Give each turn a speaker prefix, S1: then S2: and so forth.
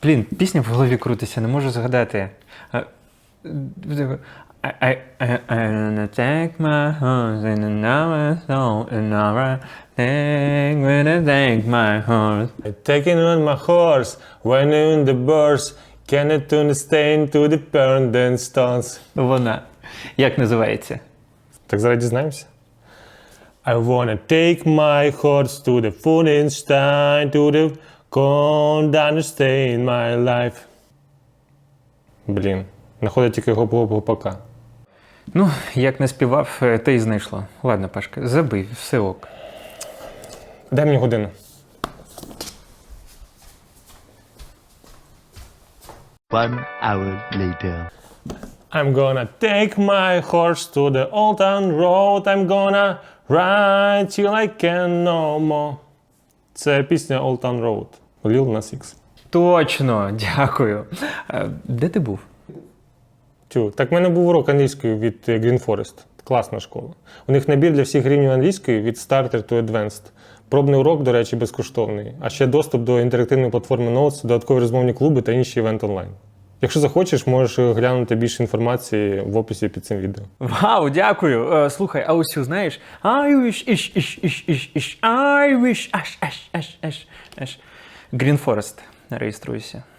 S1: Блін, пісня в голові крутиться, не можу згадати. I wanna take my horse in another soul, another thing when I take my horse.
S2: Taking on my horse, when in the burst, can it turn the stain to the burning stones.
S1: Вона. Як називається?
S2: Так зараз дізнаємося. I wanna take my horse to the Funenstein, to the condemned stay in my life. Блін, знаходить тільки гоп-гоп-гопака.
S1: Ну, як не співав, те й знайшло. Ладно, Пашка, забий, все ок.
S2: Дай мені годину.
S3: One hour later.
S2: I'm gonna take my horse to the old town road. I'm gonna ride till I can no more. Це пісня Old Town Road. Lil Nas X.
S1: Точно, дякую. Де ти був?
S2: Так в мене був урок англійської від Green Forest. Класна школа. У них набір для всіх рівнів англійської від Starter to Advanced. Пробний урок, до речі, безкоштовний. А ще доступ до інтерактивної платформи Notes, додаткові розмовні клуби та інші івенти онлайн. Якщо захочеш, можеш глянути більше інформації в описі під цим відео.
S1: Вау, дякую. Слухай, а ось цю знаєш? I wish, I wish, Green Forest. Реєструйся.